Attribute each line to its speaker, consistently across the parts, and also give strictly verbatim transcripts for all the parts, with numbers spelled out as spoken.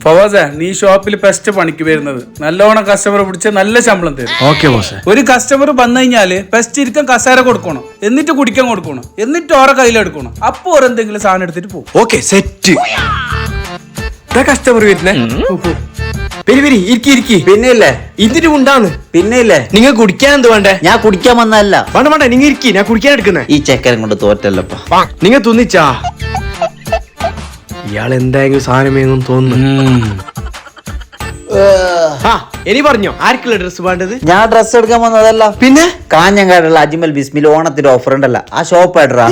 Speaker 1: ഫവാസ, നീ ഷോപ്പിൽ ഫസ്റ്റ് പണിക്ക് വരുന്നത് നല്ലോണം കസ്റ്റമർ പിടിച്ച് നല്ല ശമ്പളം തരും.
Speaker 2: Okay boss.
Speaker 1: ഒരു കസ്റ്റമർ വന്നു കഴിഞ്ഞാല് ഫസ്റ്റ് ഇരിക്കാൻ കസേര കൊടുക്കണം, എന്നിട്ട് കുടിക്കാൻ കൊടുക്കണം, എന്നിട്ട് ഓരോ കയ്യിലെടുക്കണം. അപ്പൊ ഓരെന്തെങ്കിലും സാധനം എടുത്തിട്ട് പോകും.
Speaker 2: Okay set. കസ്റ്റമർ വരുന്നേ. പെരി പെരി ഇരിക്കി ഇരിക്കി.
Speaker 3: പിന്നെയില്ലേ
Speaker 2: ഇതിന് ഉണ്ടാന്ന്.
Speaker 3: പിന്നെയില്ലേ
Speaker 2: നിങ്ങൾ കുടിക്കാൻ എന്ത് വേണ്ടേ?
Speaker 3: ഞാൻ കുടിക്കാൻ വന്നതല്ല.
Speaker 2: വേണ്ട വേണ്ട, നിങ്ങൾ ഇരിക്കി, ഞാൻ കുടിക്കാൻ എടുക്കുന്നേ.
Speaker 3: ഈ ചെക്കൻ കൊണ്ട് തോറ്റല്ലപ്പ.
Speaker 2: നിങ്ങൾ തുന്നിച്ചാ ഇയാൾ എന്തായെങ്കിലും സാധനമേന്നും തോന്നുന്നു. ആ ഇനി പറഞ്ഞോ, ആർക്കുള്ള ഡ്രസ് വേണ്ടത്?
Speaker 3: ഞാൻ ഡ്രസ് എടുക്കാൻ വന്നതല്ല.
Speaker 2: പിന്നെ
Speaker 3: കാഞ്ഞങ്ങാടുള്ള അജ്മൽ ബിസ്മിൽ ഓണത്തിന്റെ ഓഫർ ഉണ്ടല്ലോ, ആ ഷോപ്പ് ആയിട്ടാ.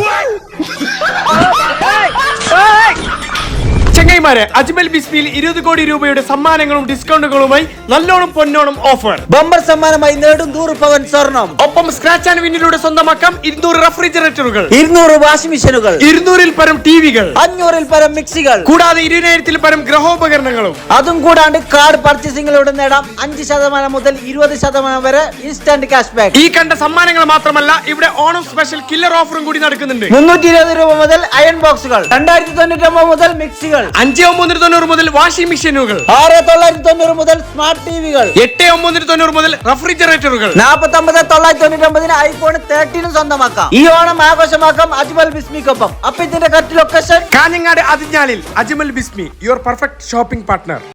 Speaker 2: ചെങ്ങൈമാരെ, അജ്മൽ ബിസ്മിയിൽ ഇരുപത് കോടി രൂപയുടെ സമ്മാനങ്ങളും ഡിസ്കൗണ്ടുകളുമായി നല്ലോണം പൊന്നോണം ഓഫർ.
Speaker 3: ബമ്പർ സമ്മാനമായി നേടും നൂറ് പവൻ സ്വർണം.
Speaker 2: ഒപ്പം സ്ക്രാച്ച് ആൻഡ് വിന്നിലൂടെ സ്വന്തമാക്കാം ഇരുന്നൂറ് റെഫ്രിജറേറ്ററുകൾ,
Speaker 3: ഇരുന്നൂറ് വാഷിംഗ് മെഷീനുകൾ,
Speaker 2: ഇരുന്നൂറിൽ പരം ടിവികൾ,
Speaker 3: അഞ്ഞൂറിൽ പരം മിക്സികൾ,
Speaker 2: കൂടാതെ ഇരുപതിനായിരത്തിൽ പരം ഗ്രഹോപകരണങ്ങളും.
Speaker 3: അതും കൂടാണ്ട് കാർഡ് പർച്ചേസിംഗിലൂടെ നേടാം അഞ്ച് ശതമാനം മുതൽ ഇരുപത് ശതമാനം വരെ ഇൻസ്റ്റന്റ് ക്യാഷ് ബാക്ക്.
Speaker 2: ഈ കണ്ട സമ്മാനങ്ങൾ മാത്രമല്ല, ഇവിടെ ഓണം സ്പെഷ്യൽ കില്ലർ ഓഫറും കൂടി നടക്കുന്നുണ്ട്.
Speaker 3: മുന്നൂറ്റി ഇരുപത് രൂപ മുതൽ അയൺ ബോക്സുകൾ, രണ്ടായിരത്തി തൊണ്ണൂറ്റി ഒമ്പത് മുതൽ മിക്സികൾ,
Speaker 2: അഞ്ച് ഒമ്പത് തൊണ്ണൂറ് മുതൽ വാഷിംഗ് മെഷീനുകൾ,
Speaker 3: ആറ് തൊള്ളായിരത്തി തൊണ്ണൂറ് മുതൽ സ്മാർട്ട് ടിവികൾ,
Speaker 2: എട്ട് ഒമ്പത് തൊണ്ണൂറ് മുതൽ റെഫ്രിജറേറ്ററുകൾ,
Speaker 3: നാൽപ്പത്തി ഒമ്പത് തൊള്ളായിരത്തി തൊണ്ണൂറ്റി ഒമ്പതിന് ഐഫോൺ തേർട്ടീനും സ്വന്തമാക്കാം. ഈ ഓണം ആഘോഷമാക്കാം അജ്മൽ ബിസ്മിക്കൊപ്പം. അപ്പൊ ഇതിന്റെ കറക്റ്റ് ലൊക്കേഷൻ
Speaker 2: കാഞ്ഞങ്ങാട് അതിഞ്ഞാലിൽ Ajmal Bismi, your perfect shopping partner.